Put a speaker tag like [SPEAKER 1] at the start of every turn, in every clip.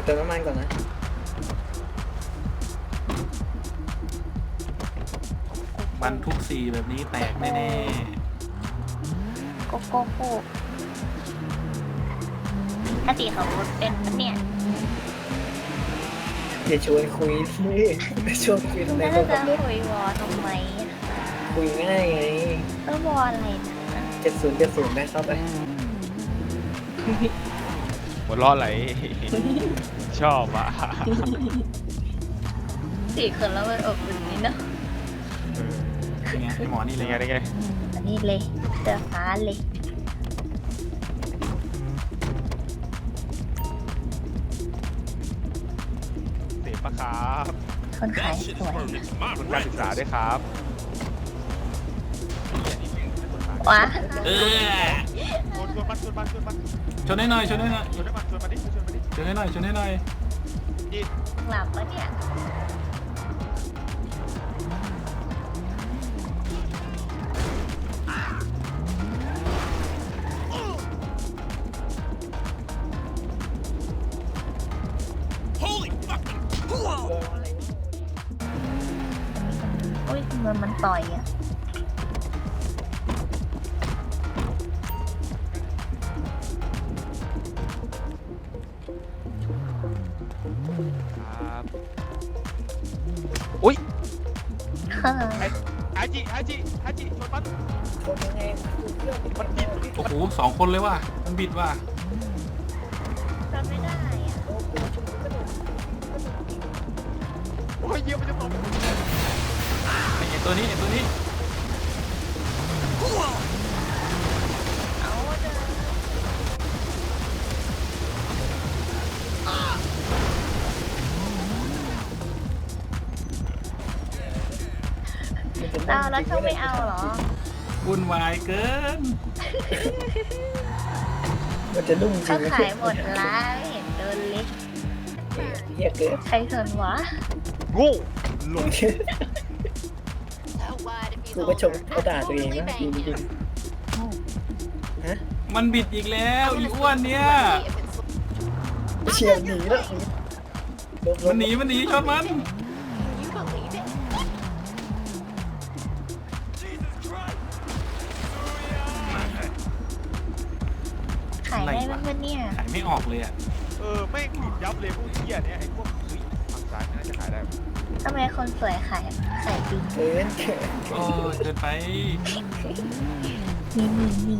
[SPEAKER 1] เติมน้ำมันก่อนนะ
[SPEAKER 2] บรรทุกสี่แบบนี้แตกแน่
[SPEAKER 3] โกโก้โก้ปกติเขาเป็นเนี่ย
[SPEAKER 1] อย่าชวนคุยนี่ชวนคุยทำไม
[SPEAKER 3] แล้ว
[SPEAKER 1] คน
[SPEAKER 3] จะ
[SPEAKER 1] ขับรถ
[SPEAKER 3] คุยวอทำไม
[SPEAKER 1] คุยง่ายไง
[SPEAKER 3] ต้องวออะไรนะ
[SPEAKER 1] 70ได้เข้าไป
[SPEAKER 4] หัวล้อไหล ชอบอ่ะ
[SPEAKER 3] สี่คนแล้วมันอบอุ่นนี่เนาะ
[SPEAKER 2] ๆยังไงไอหมอนี่เล
[SPEAKER 4] ยั
[SPEAKER 2] ย
[SPEAKER 4] งไงยังไง
[SPEAKER 3] อันนี้เลยเสื้อฟ้าเลย
[SPEAKER 4] เสพปะครับ
[SPEAKER 3] คนขายสวย
[SPEAKER 4] คุณการศึกษาด้วยครับ
[SPEAKER 3] ว้า
[SPEAKER 2] เออ
[SPEAKER 4] ชวนมันชวนมันชวนมัน
[SPEAKER 2] ชนให้หน่อยชนให้หน่อย
[SPEAKER 4] ชวนมันชวนมันดิชวนมันดิ
[SPEAKER 2] ชนให้หน่อยชนให้หน่อย
[SPEAKER 4] ยิง
[SPEAKER 3] หลับปะเนี่ย อุ้ยมันต่อยอ่ะ
[SPEAKER 4] ครับอุ้ย
[SPEAKER 3] เฮ้ย
[SPEAKER 4] ฮาจิฮาจิฮาจิชวนมัน
[SPEAKER 1] ชนยังไงมันบิด
[SPEAKER 2] โอ้โห2 คนเลยว่ะมันบิดว่ะ
[SPEAKER 3] ทำไม่ได้อ่ะ
[SPEAKER 4] โอ้ยเยี่ยมมันจะตก
[SPEAKER 2] ไอตัวนี้ไอตัวนี้
[SPEAKER 3] เอาเดินเอาแล้วเขาไม่เอาเหรอ
[SPEAKER 2] วุ่นวายเกิน
[SPEAKER 1] มันจะนุ่มจริ
[SPEAKER 3] เขา
[SPEAKER 1] ง
[SPEAKER 3] ขายหมดร้านไม่เห็นโดนเล็ก
[SPEAKER 1] เฮียเกิน
[SPEAKER 3] ใครสนวะ
[SPEAKER 4] โง่ลง
[SPEAKER 1] กูก็ชมเขาด่าตัวเองนะจริงๆฮะ
[SPEAKER 2] มันบิดอีกแล้วอีอ้วนเนี่ย
[SPEAKER 1] เชียร์หนีแล้วลบ
[SPEAKER 2] มันหนีมันหนีชนมัน
[SPEAKER 3] ขายได้บ้างปะเนี่ย
[SPEAKER 2] ขายไม่ออกเลยอ่ะ
[SPEAKER 4] แม่งหลุดยับเลยพวกเหี้ยเนี่ยไอ้พวกเฮ้ยฝั่งซ้ายไม่น่าจะขายได้
[SPEAKER 3] ทำไมคนสวยขายปิง
[SPEAKER 1] เกิน
[SPEAKER 2] โอ้ยเกินไป
[SPEAKER 3] นี่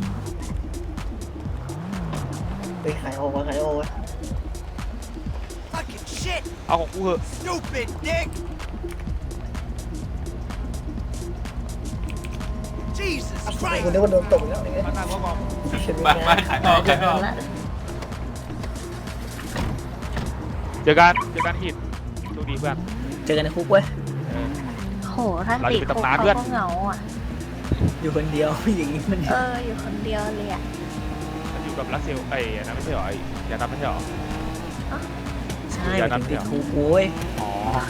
[SPEAKER 1] ไปขายโอวะขายโอวะ
[SPEAKER 4] เอาของกูเหอะ
[SPEAKER 5] Stupid dick! Jesus
[SPEAKER 1] กู
[SPEAKER 5] Christ!
[SPEAKER 1] นึกว่าโดนตกแล้วเนี่ย
[SPEAKER 4] มาทางก็กอง
[SPEAKER 2] ไปไปขายออกขายออก
[SPEAKER 3] ละ
[SPEAKER 4] เจอกันหินโชคดีเพื่อน
[SPEAKER 1] เจอกันในคุกเว้ย
[SPEAKER 3] โหถ้าติดคุกเขาก็เหงาอ่ะ
[SPEAKER 1] อยู่คนเดียวอย่างนี้มัน
[SPEAKER 3] อยู่คนเดียวเลยอ่ะ
[SPEAKER 4] มันอยู่กับรัสเซลไอ้นั่นไม่ใช่เหรอไอ้ยานับไม่ใช่เหรอ
[SPEAKER 1] ใช่มันติดคุกโว้ย
[SPEAKER 4] อ๋อ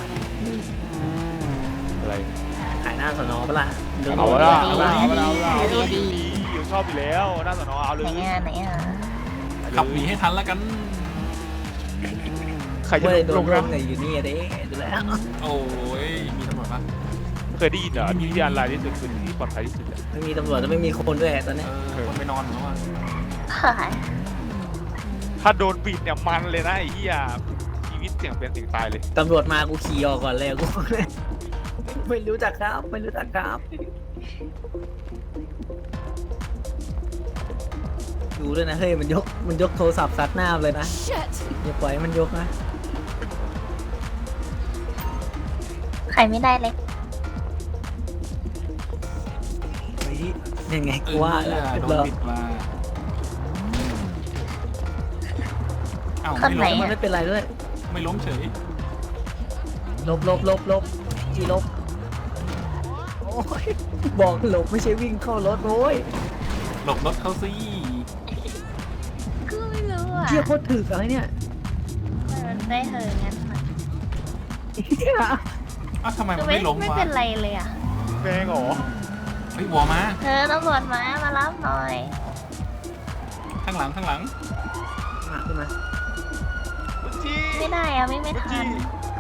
[SPEAKER 4] อะไร
[SPEAKER 1] ขายหน้าสนอปะล่ะ
[SPEAKER 4] เอาละดีอยู่ชอบอยู่แล้วน่าสนอเอาเลย
[SPEAKER 3] ไหนอ่ะ
[SPEAKER 2] ขับหนีให้ทันแล้วกัน
[SPEAKER 4] ใครจะ
[SPEAKER 1] ไม่ได้โด
[SPEAKER 4] ล
[SPEAKER 1] น
[SPEAKER 4] ง
[SPEAKER 1] ร่
[SPEAKER 4] นะ
[SPEAKER 1] วมในอยู่นี่เด้ดูแล้ว
[SPEAKER 2] โอ้ยมีตำรวจปะ
[SPEAKER 4] เคยได้ยินเหรอที่อันไลน์ที่สุดคือที่ปลอดภัยที่สุด
[SPEAKER 1] ไม่มีตำรวจแล้วไม่มีคนด้วยตอนนี้
[SPEAKER 2] คนไปนอนแล้วอ่ะ
[SPEAKER 3] ขาย
[SPEAKER 4] ถ้าโดนปิดเนี่ยมันเลยนะไอ้เหี้ยชีวิตเสี่ยงเป็นเสี่ยงตายเลย
[SPEAKER 1] ตำรวจมากูขี่ออกก่อนเลยกู ไม่รู้จักครับไม่รู้จักครับดูด้วยนะเฮ้ยมันยกโทรศัพท์ซัดหน้าเลยนะอย่าปล่อยให้มันยกนะ
[SPEAKER 3] ขายไม่ได้เลย
[SPEAKER 1] เฮ้ยยังไงกูว่าแล้ว
[SPEAKER 2] โดน
[SPEAKER 1] เรา
[SPEAKER 2] บิดมาเอ้า
[SPEAKER 3] คนไหน
[SPEAKER 2] ไม่ล้ม
[SPEAKER 1] มันไม่เป็นไรด้วย
[SPEAKER 2] ไม่ล้มเฉย
[SPEAKER 1] ลบจีลบโอ้ยบอกหลบไม่ใช่วิ่งเข้ารถโว้ย
[SPEAKER 2] หลบรถเขาสิ
[SPEAKER 3] ก็ไม่รู้อ่ะ
[SPEAKER 1] เชี่ยโคตรถึกอะไรเนี่ย
[SPEAKER 3] มันได้เหอะงั้นอ่ะ
[SPEAKER 2] อ้าวทำไมมันไม่ล้ม
[SPEAKER 3] ไม่
[SPEAKER 2] วะ
[SPEAKER 3] เป็นไรเลยอ่ะ
[SPEAKER 4] แมงเหรอ
[SPEAKER 2] เฮ้ยวอมา
[SPEAKER 3] ตำรวจมารับหน่อย
[SPEAKER 2] ข้างหลัง
[SPEAKER 1] มาขึ้นมา
[SPEAKER 4] จี้
[SPEAKER 3] ไม่ได้อะไม่ทัน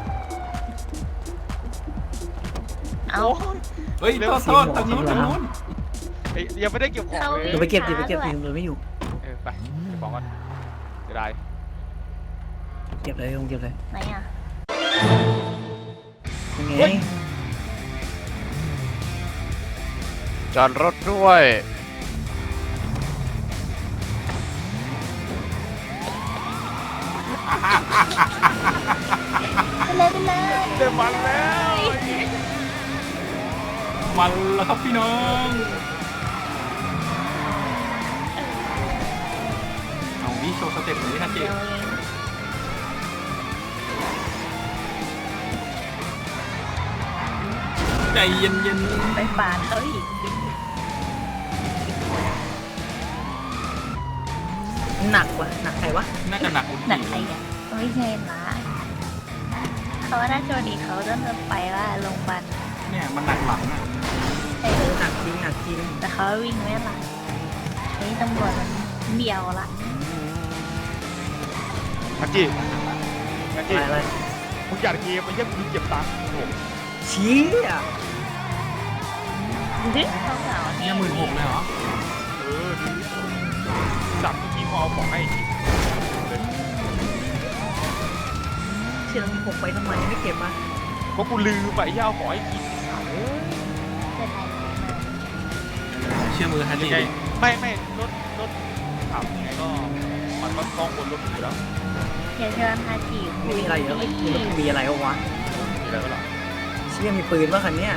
[SPEAKER 3] เอา
[SPEAKER 4] โอ้ย
[SPEAKER 2] เฮ้ยโทษโทษตรงนู้นตรงนู้น
[SPEAKER 4] เอ้ยยังไม่ได้เก็บของเลย
[SPEAKER 1] เดี๋ยวไปเก็บมันไม่อยู่
[SPEAKER 4] ไปเก็บของก่อนจะได้
[SPEAKER 1] เก็บเลยเก็บเลย
[SPEAKER 3] ไหนอ่ะ
[SPEAKER 1] ยังไง
[SPEAKER 6] จอดรถด้วย
[SPEAKER 3] ไปเลย
[SPEAKER 4] เต็มวันแล้ว
[SPEAKER 2] มันแล้วครับพี่น้อง เอาวิโชว์สเต็ปหน่อยดิฮะเจ
[SPEAKER 3] เดี๋ยวเอง
[SPEAKER 2] ใจเย็นเย็น
[SPEAKER 3] ไปปาดเขาอีก
[SPEAKER 1] หนักว่ะหนักใครวะ
[SPEAKER 2] น่าจะหนักอุ่น
[SPEAKER 3] หนัก
[SPEAKER 2] จี
[SPEAKER 3] ใครอ่ะไม่ใช่นะเขาว่าถ้าโจดีเขาจะไปว่าโรงพยาบาล
[SPEAKER 2] เนี่ยมันหนักหลังอ่ะ
[SPEAKER 1] หนักจริง
[SPEAKER 3] แต่เขาวิ่งไม่หลังนี่ตำรวจมันเดียวละ
[SPEAKER 4] ฮันจี้ฮันจี้
[SPEAKER 1] อะไร
[SPEAKER 4] มึงอยากเกมมันยังมึงเก็บตังค์โอ้โห
[SPEAKER 1] ชี้อ่ะ
[SPEAKER 3] ดึ๊กเขาเหงา
[SPEAKER 2] เนี่ย16,000เลยเหรอ
[SPEAKER 4] ดูสั่งเมื่อกี้พอเอาของให้ที
[SPEAKER 1] เชื่อมีผมไปทำไมไม่เก็บมา
[SPEAKER 4] เพราะกูลืมไปย่าเอาของให้กิน
[SPEAKER 3] เป็นไร
[SPEAKER 2] เชื่อมือฮัน
[SPEAKER 4] ยั
[SPEAKER 2] นี่
[SPEAKER 4] งไงไม่รถถามยังไงก็มันก็ต้องบนรถอยู่แล้ว
[SPEAKER 3] อย่าเชิญฮาจิคุ
[SPEAKER 1] ไม่
[SPEAKER 3] ย
[SPEAKER 1] มีอะไรอยู่แล้วมีอะไรวะ
[SPEAKER 4] มีอะไรก็หรอ
[SPEAKER 1] เชี่ยมีปืนป่ะคันเนี้ย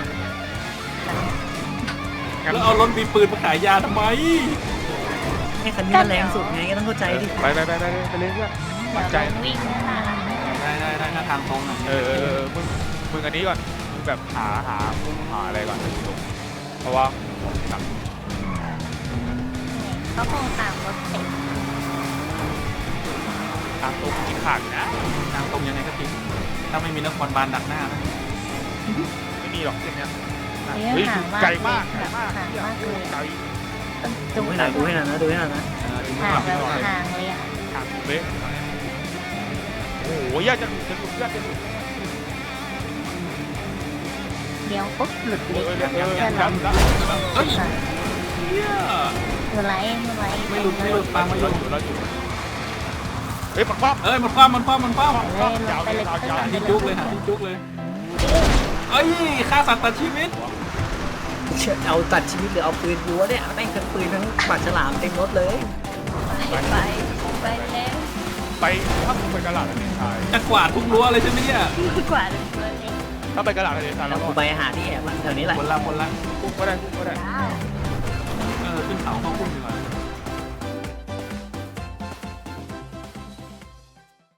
[SPEAKER 2] แล้วเอารถมีปืนมาขายยาทำไม
[SPEAKER 1] ให้คันนี้มันแรงสุดไงก็ต้องเข้าใจดิ
[SPEAKER 4] ไปเลยเพื่อนมั่นใจ
[SPEAKER 3] เดี๋ยวลองวิ่งนั่นน่ะ
[SPEAKER 2] ได้ถ้าทางตรงอ่ะ
[SPEAKER 4] มึงอันนี้ก่อนมึงแบบหาอะไรก่อนเพราะว่าหนัก
[SPEAKER 3] เขาคงตามรถเสร็จ
[SPEAKER 4] ทางตรงกินขาดนะ
[SPEAKER 2] ทางตรงยังไงก็ทิ้งถ้าไม่มีนครบาลดักหน้านะ
[SPEAKER 4] ไม่มีหรอกเส้นเนี้ย
[SPEAKER 3] เฮ้ยห่างมาก
[SPEAKER 4] ไกลมาก
[SPEAKER 3] ห่างมากเลย
[SPEAKER 4] ไกล
[SPEAKER 3] ต้อง
[SPEAKER 1] ดู
[SPEAKER 3] จุ๊
[SPEAKER 1] ให้หน่อยดูให้หน่อยนะดูให้หน่อยนะ
[SPEAKER 2] ถึง
[SPEAKER 3] ห่าง
[SPEAKER 2] ขับ
[SPEAKER 3] แบบ
[SPEAKER 2] หน่อย
[SPEAKER 3] ห่างเลยอ่ะ
[SPEAKER 4] ทางเป๊ะโอ้โหยากจะหลุดเพื่อนจะหลุด
[SPEAKER 3] เดี๋ยวปุ๊บหลุดเลย
[SPEAKER 4] ยัง
[SPEAKER 3] เพื่อน
[SPEAKER 4] แล้ว
[SPEAKER 3] เรา
[SPEAKER 2] เฮ้ยเหี้ย
[SPEAKER 3] มือไล่มือไล่
[SPEAKER 2] ไม่หลุดปางไม่หลุด
[SPEAKER 4] เฮ้ยมันคว่ำ
[SPEAKER 2] เอ้ยมันคว้ามันคว้า
[SPEAKER 3] เลยลงไปเลย
[SPEAKER 2] หาที่จุกเลยหาที่จุกเลยเอ้ยฆ่าสัตว์ตัดชีวิต
[SPEAKER 1] เอาตัดชีวิตหรือเอาปืนรั้วเนี่ยแม่งทั้งปืนทั้งปากฉลามเต็มรถเลย
[SPEAKER 3] ไปแล้ว
[SPEAKER 4] ไปถ้าไปกระหล่ำทะเลทราย
[SPEAKER 2] จะกวาดทุกรั้วเลยใช่ไหมเนี่ย
[SPEAKER 3] กว่าเลยเลย
[SPEAKER 4] ถ้าไปกระหล่ำทะเลทราย
[SPEAKER 1] แล้
[SPEAKER 4] แล้ว ว
[SPEAKER 1] กู
[SPEAKER 4] ก็
[SPEAKER 1] ไปหาที่แอบแถวนี้แหละ
[SPEAKER 2] คนละ
[SPEAKER 4] พุ่งก็ได้
[SPEAKER 2] ขึ้นเขาเข้าพุ่งดีกว่า